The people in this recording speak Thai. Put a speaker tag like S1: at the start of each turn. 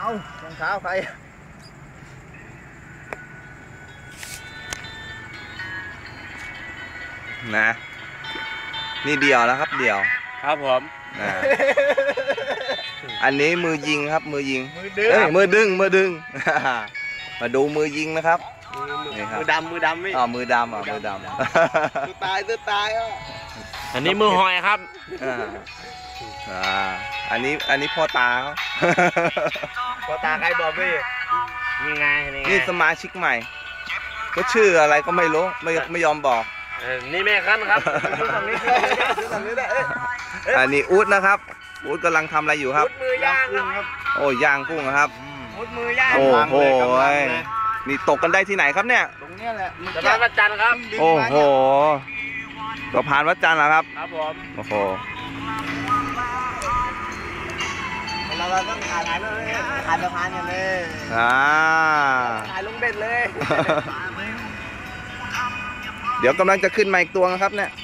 S1: เอารองเท้าใคร
S2: นะนี่เดี่ยวแล้วครับเดี่ยว
S3: ครับผม
S2: นะอันนี้มือยิงครับมือยิง
S1: มือดึง
S2: มือดึงมือดึง มาดูมือยิงนะครับ
S3: มือดำไม่
S2: มือดำมือดำ
S1: ตัวตายอ่ะ
S3: อันนี้มือหอยครับ
S2: อันนี้พ่อตาเขา
S1: พ่อตาใครบอกพี่
S3: นี่ไง
S2: นี่สมาชิกใหม่ก็ชื่ออะไรก็ไม่รู้ไม่ยอมบอก
S3: นี่แม่ขั้นครับ
S1: ฝั่งนี้ได้
S2: อันนี้อู๊ดนะครับอู๊ดกำลังทำอะไรอยู่ครับ
S1: มือย่างครับ
S2: โอ้ย่างกุ้งครับ
S1: มือย่าง
S2: โอ้โหนี่ตกกันได้ที่ไหนครับเนี่ย
S1: ตรงนี้แหละ
S3: สะพานวัดจันทร์ครับ
S2: โอ้โหสะพานวัดจันทร์เหรอครับ
S3: ครับผม
S2: โอ้โห
S1: เราต้องถ่ายเลยถ่ายสะพานกันเลยถ่ายลงเบ็ดเลย
S2: เดี๋ยวกำลังจะขึ้นมาอีกตัวนะครับเนี่ย